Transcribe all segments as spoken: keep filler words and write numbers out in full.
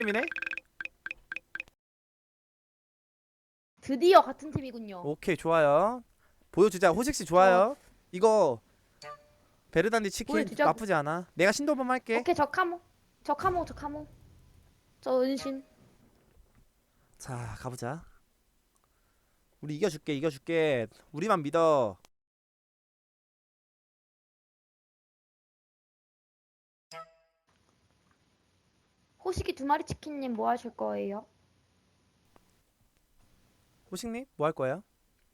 팀이네. 드디어 같은 팀이군요. 오케이 좋아요. 보여주자. 호식씨 좋아요. 이거 베르단디 치킨 보여주자고. 나쁘지 않아. 내가 신도범 할게. 오케이 저 카모. 저 카모 저 카모. 저 은신. 자 가보자. 우리 이겨줄게 이겨줄게. 우리만 믿어. 호식이 두 마리 치킨님 뭐 하실 거예요? 호식님 뭐 할 거예요?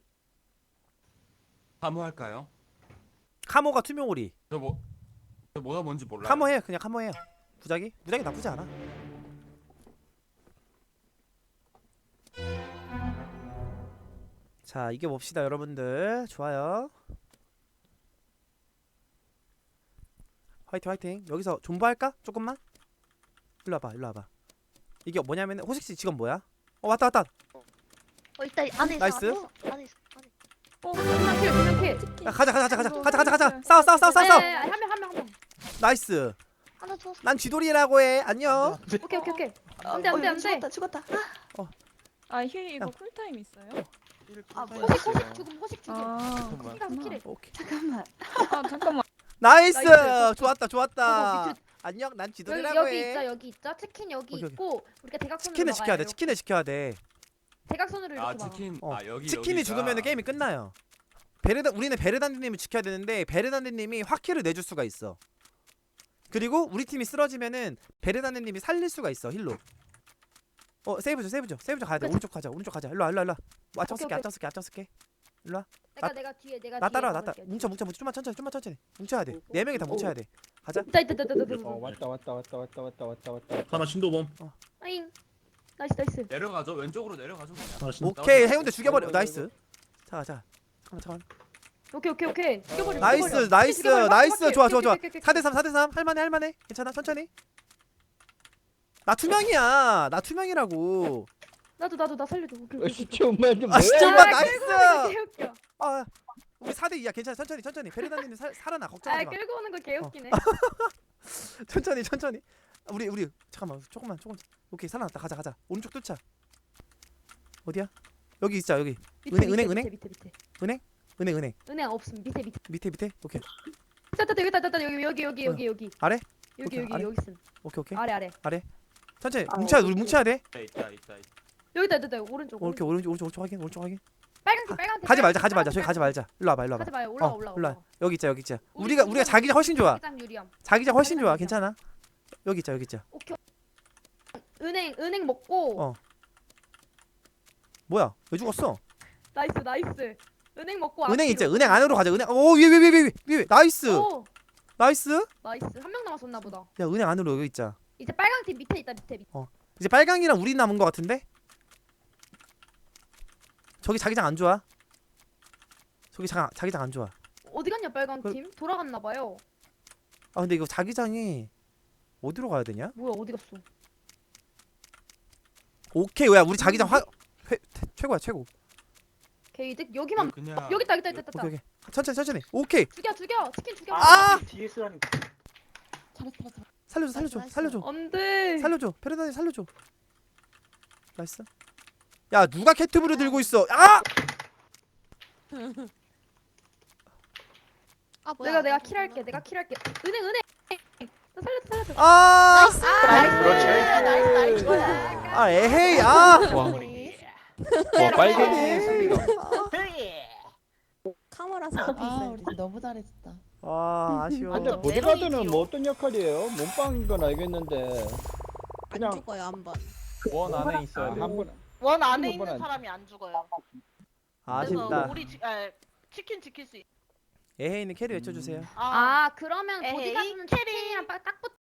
사무할까요? 카모가 투명오리. 저 뭐, 저 뭐가 뭔지 몰라요. 카모 해 그냥 카모 해요. 무작위? 무작위 나쁘지 않아. 자 이겨 봅시다 여러분들. 좋아요. 화이팅 화이팅. 여기서 존버할까? 조금만? 일로 와봐 일로 와봐. 이게 뭐냐면 호식씨 직업 뭐야? 어 왔다 왔다. 어 일단 안에 있어. 나이스. 안에 있어. 안에 있어. 안에. 어, 두명 킬, 두명 킬. 야, 가자 가자 가자 가자 가자 가자 가자. 싸워 싸워 싸워 싸워 아니, 싸워. 아니, 아니, 한 명, 한 명, 한 명. 나이스. 하나 죽었어. 난 쥐돌이라고 해. 안녕. 오케이, 오케이, 오케이. 어, 안 돼, 안 돼, 어, 안 돼. 죽었다. 죽었다. 아, 힐 이거 야. 쿨타임 있어요? 아 뭐야? 호식, 호식 죽음, 호식 죽음. 아, 호식 가서 킬해. 오케이. 잠깐만. 아 잠깐만. 나이스. 나이스. 좋았다 어, 좋았다. 밑에 안녕. 난 여기, 쥐돌이라고 여기 해. 있죠, 여기 있죠. 치킨 여기 오케이, 오케이. 있고 우리가 대각선으로 치킨을 지켜야 돼. 막아요. 치킨을 지켜야 돼. 대각선으로 이렇게 아 막아. 치킨. 어, 아 여기 치킨이 여기가- 죽으면 게임이 끝나요. 베르다 우리는 베르단디님을 지켜야 되는데 베르단디님이 화키를 내줄 수가 있어. 그리고 우리 팀이 쓰러지면은 베르단디님이 살릴 수가 있어 힐로. 어 세이브죠 세이브죠 세이브죠 가야 돼. 그치. 오른쪽 가자 오른쪽 가자. 일로 와 일로 와 일로 와. 앞장 쓸게 오케이. 앞장 쓸게 앞장 쓸게. 일로 와. 내가 나- 내가 뒤에 내가 나 뒤에 따라와 나 따라. 가볼게. 뭉쳐 뭉쳐 뭉쳐 좀만 천천히 좀만 천천히. 뭉쳐야 돼. 네 명이 다 뭉쳐야 돼. 가자. 있다 있다 있다 있다 있다. 어 왔다 왔다 왔다 왔다 왔다 왔다 왔다 하나 신도범. 아잉. 나이스 나이스. 내려가죠. 왼쪽으로 내려가죠 그냥. 하나 신. 오케이 나오자. 해운대 죽여버려. 아이고, 나이스. 자 자. 잠깐만 잠깐만. 오케이 오케이 오케이. 죽여버려. 나이스 죽여버려. 나이스 죽여버려. 나이스 오케이, 좋아 오케이, 좋아 좋아. 오케이, 오케이, 오케이. 사 대 삼 사 대 삼 할만해 할만해. 괜찮아 천천히. 나 투명이야. 나 투명이라고. 나도 나도 나 살려줘. 오케이, 어, 오케이, 시체 엄마한테 아 뭐야? 진짜 오케이. 엄마 아, 나이스. 끌고 오는 거 개웃겨. 아 우리 사 대 이야 괜찮아 천천히 천천히. 베르단디님 살 살아나 아 걱정하지 마. 끌고 오는 거 개웃기네. 천천히 천천히. 아, 우리 우리 잠깐만 조금만 조금. 오케이 살아났다 가자 가자. 오른쪽 뚫자. 어디야? 여기 있자 여기. 밑에, 은행, 밑에, 은행, 밑에 밑에 밑에. 은행 은행. 은행 없음. 밑에 밑에. 밑에 밑에. 오케이 따따 여기 따따 여기 여기 여기 여기 여기. 아래? 여기 오케이, 여기 아래? 여기 있음. 오케이 오케이. 아래 아래. 천천히 아, 뭉쳐야 오케이, 우리 뭉쳐야 돼. 있다 있다 있다. 있다. 여기다 여기다 오른쪽. 어, 오케이 오른쪽 오른쪽 오른쪽 확인 오른쪽 확인. 빨간 팀 빨간 팀. 가지 말자 가지 말자 저기 가지 말자. 일로 와봐 일로 와봐. 가지 마요. 올라가 어, 올라가. 올라와. 올라가. 여기 있자 여기 있자. 우리 우리가 팀은 우리가 자기장 훨씬 좋아. 자기장 유리함. 자기장 훨씬 좋아. 자기장 괜찮아. 여기 있자 여기 있자. 오케이. 은행 은행 먹고. 어. 뭐야? 왜 죽었어? 나이스 나이스. 은행 먹고. 은행 있자. 앞뒤로. 은행 안으로 가자. 은행. 오 위에 위에 위에 위에 위에. 나이스. 오 나이스. 나이스. 한 명 남았었나 보다. 야 은행 안으로 여기 있자. 이제 빨강 팀 밑에 있다 밑에 밑에. 이제 빨강이랑 우리 남은 거 같은데? 저기 자기장 안 좋아. 저기 자, 자기장 안 좋아. 어디 갔냐 빨강 그- 팀? 돌아갔나 봐요. 아 근데 이거 자기장이 어디로 가야 되냐? 뭐야 어디 갔어? 오케이 야 우리 자기장 화 회, 최고야 최고. 게이득 여기만. 그냥 여기 있다 여기 있다 여기 있다. 오케이 오케이 천천히 천천히. 오케이 죽여 죽여 치킨 죽여. 아! 뒤에서라니. 살려줘 살려줘 나이스, 살려줘 안돼. 살려줘 페르나니 살려줘. 나이스. 야 누가 캐트브를 들고 있어? 아! 아 뭐야? 내가 내가 킬할게. 내가 킬할게. 은행 은행. 나 살려줘 살려줘. 아! 나이스. 그렇지. 나이스. 아 에헤이 아! 와 빨갱이 승리가. 카메라서 앞에 아 있어야 우리 돼. 너무 잘했다. 아 아쉬워. 근데 보드가드는 뭐 어떤 역할이에요? 몸빵인 건 알겠는데 안 그냥 죽어요 한 번. 원 안에 있어야 돼. 한 번. 원 안에 한 있는 번은 사람이 안 죽어요. 아쉽다. 그래서 우리 지, 아, 치킨 지킬 수 있. 에헤이는 캐리 외쳐주세요. 아, 아 그러면 에헤이, 보디가드는 캐리. 치킨이랑 딱 붙.